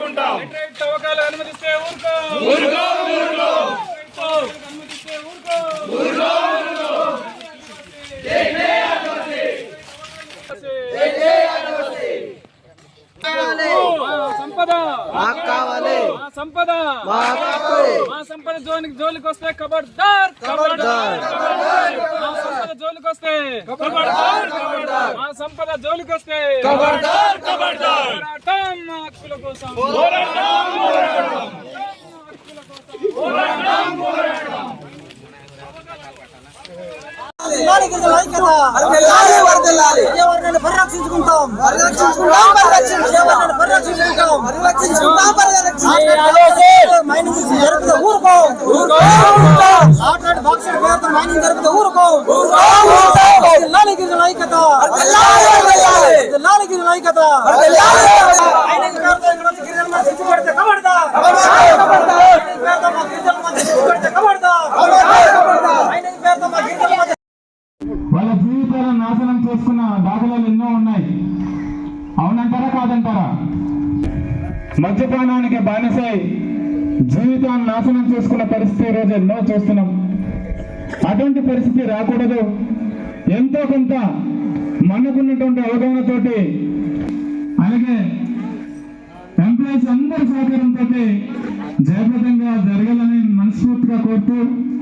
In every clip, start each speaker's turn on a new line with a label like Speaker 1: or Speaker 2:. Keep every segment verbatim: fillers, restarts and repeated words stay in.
Speaker 1: తవ్వకాలు అనుమతిస్తే ఊరుకో ఊరుకో ఊరుకో అనుమతిస్తే ఊరుకో ఊరుకో ఊరుకో జై జై ఆదివాసీ జై జై ఆదివాసీ సంపద మాకు కావాలి మా సంపద మాకు మా సంపద జోలికి జోలికి వస్తే ఖబర్దార్ ఖబర్దార్ మా సంపద జోలికి వస్తే ఖబర్దార్ ఖబర్దార్ మా సంపద జోలికి వస్తే ఖబర్దార్ ఖబర్దార్ పోరాటం మా హక్కుల కోసం పోరాటం పోరాటం పోరాటం పోరాటం
Speaker 2: పరిరక్షించుకుంటాం మైనింగ్ జరిపితే ఊరుకో మైనింగ్ జరిపితే ఊరుకో లాలి గిరిజన ఐక్యత లాలి గిరిజన ఐక్యత
Speaker 3: వాళ్ళ జీవితాలను నాశనం చేసుకున్న దాఖలాలు ఎన్నో ఉన్నాయి. అవునంటారా కాదంటారా? మద్యపానానికి బానిసై జీవితాన్ని నాశనం చేసుకున్న పరిస్థితి ఈరోజు ఎన్నో చూస్తున్నాం. అటువంటి పరిస్థితి రాకూడదు. ఎంతో కొంత మనకున్నటువంటి అవగాహనతోటి అలాగే ఎంప్లాయీస్ అందరి సహకారంతో జయప్రదంగా జరగాలని మనస్ఫూర్తిగా కోరుతూ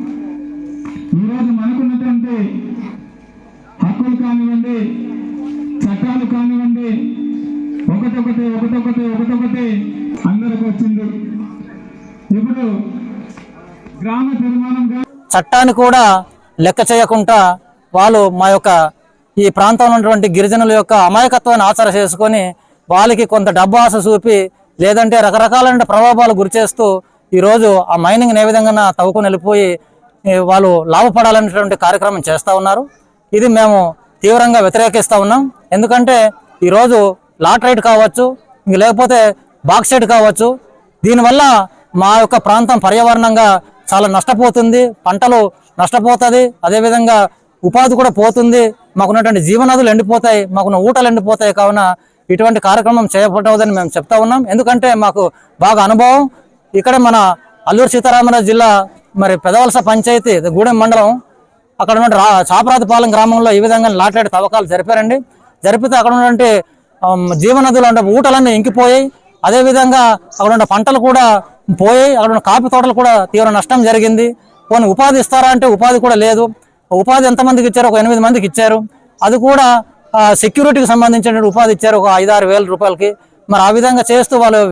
Speaker 3: ఈరోజు మనకున్నటువంటి హక్కులు కానివ్వండి, చట్టాలు కానివ్వండి, ఒకటొకటి ఒకటొకటి ఒకటొకటి అందరికి వచ్చింది. ఇప్పుడు గ్రామ తీర్మానంగా
Speaker 4: చట్టాన్ని కూడా లెక్క చేయకుండా వాళ్ళు మా యొక్క ఈ ప్రాంతంలో ఉన్నటువంటి గిరిజనుల యొక్క అమాయకత్వాన్ని ఆచర చేసుకొని వాళ్ళకి కొంత డబ్బు ఆశ చూపి లేదంటే రకరకాలైన ప్రభావాలు గురి చేస్తూ ఈరోజు ఆ మైనింగ్ ఏ విధంగా తవ్వుకొని వెళ్ళిపోయి వాళ్ళు లాభపడాలనేటువంటి కార్యక్రమం చేస్తూ ఉన్నారు. ఇది మేము తీవ్రంగా వ్యతిరేకిస్తూ ఉన్నాం. ఎందుకంటే ఈరోజు లాటరైట్ కావచ్చు, ఇంక లేకపోతే బాక్సైట్ కావచ్చు, దీనివల్ల మా యొక్క ప్రాంతం పర్యావరణంగా చాలా నష్టపోతుంది, పంటలు నష్టపోతుంది, అదేవిధంగా ఉపాధి కూడా పోతుంది, మాకున్నటువంటి జీవనదులు ఎండిపోతాయి, మాకున్న ఊటలు ఎండిపోతాయి. కావున ఇటువంటి కార్యక్రమం చేపట్టవద్దని మేము చెప్తా ఉన్నాం. ఎందుకంటే మాకు బాగా అనుభవం. ఇక్కడ మన అల్లూరు సీతారామరాజు జిల్లా మరి పెదవలస పంచాయతీ గూడెం మండలం అక్కడ ఉన్న చాపరాతిపాలెం గ్రామంలో ఈ విధంగా లాటరైట్ తవ్వకాలు జరిపారండి. జరిపితే అక్కడ ఉన్నటువంటి జీవనదులు అంటే ఊటలన్నీ ఇంకిపోయాయి. అదేవిధంగా అక్కడ ఉన్న పంటలు కూడా పోయాయి. అక్కడ ఉన్న కాఫీ తోటలు కూడా తీవ్ర నష్టం జరిగింది. కొన్ని ఉపాధి ఇస్తారా అంటే ఉపాధి కూడా లేదు. ఉపాధి ఎంతమందికి ఇచ్చారు? ఒక ఎనిమిది మందికి ఇచ్చారు. అది కూడా సెక్యూరిటీకి సంబంధించిన ఉపాధి ఇచ్చారు, ఒక ఐదు ఆరు వేల రూపాయలకి. మరి ఆ విధంగా చేస్తూ వాళ్ళు